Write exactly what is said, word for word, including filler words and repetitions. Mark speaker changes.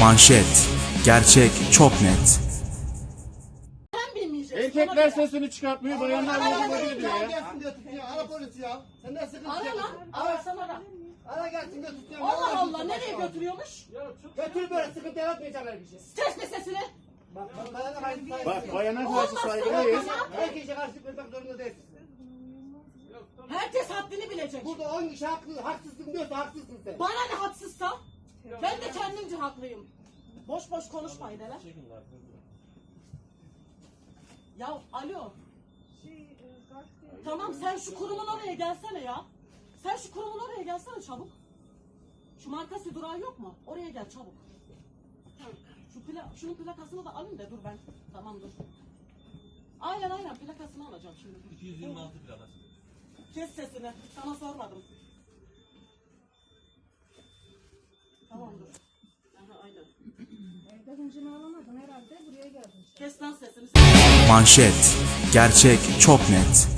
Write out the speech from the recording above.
Speaker 1: Manşet, gerçek çok net.
Speaker 2: Sen bilmeyeceksin.
Speaker 3: Erkekler sesini çıkartmıyor, bayanlar
Speaker 2: Ara,
Speaker 3: vurdu
Speaker 2: ara,
Speaker 3: diyor ya.
Speaker 4: Gelsin diyor tutuyor. Ara polisi ya. Sen ne sıkıntı
Speaker 2: Ara lan. Ara sen ara.
Speaker 4: Ara gelsin diyor tutuyor.
Speaker 2: Allah Allah nereye götürüyormuş?
Speaker 4: Götür böyle sıkıntı yaratmayacaklar bir şey.
Speaker 2: Kesme sesini.
Speaker 4: Bak bak bayana karşı saygı.
Speaker 3: Bak bayana karşı
Speaker 2: Olmaz
Speaker 3: saygılıyız.
Speaker 2: sana.
Speaker 4: Herkese karşı koymak zorunda değilsin.
Speaker 2: Herkes haddini bilecek.
Speaker 4: Burada on kişi haklı, haksızsın diyorsa haksızsın sen.
Speaker 2: Bana ne haksızsa? Ben de kendimce haklıyım. Boş boş konuşmayın hele. Ya alo. Tamam sen şu kurumun oraya gelsene ya. Sen şu kurumun oraya gelsene çabuk. Şu markası durağı yok mu? Oraya gel çabuk. Şu pla şunun plakasını da alın da dur ben. Tamam dur. Aynen aynen plakasını alacağım şimdi.
Speaker 5: iki yüz yirmi altı plakası.
Speaker 2: Kes sesini. Sana sormadım. Tamam dur. Aha aynen.
Speaker 6: Evde hıncını alamadın herhalde buraya geldin.
Speaker 2: Kes lan sesini.
Speaker 1: Manşet, gerçek çok net.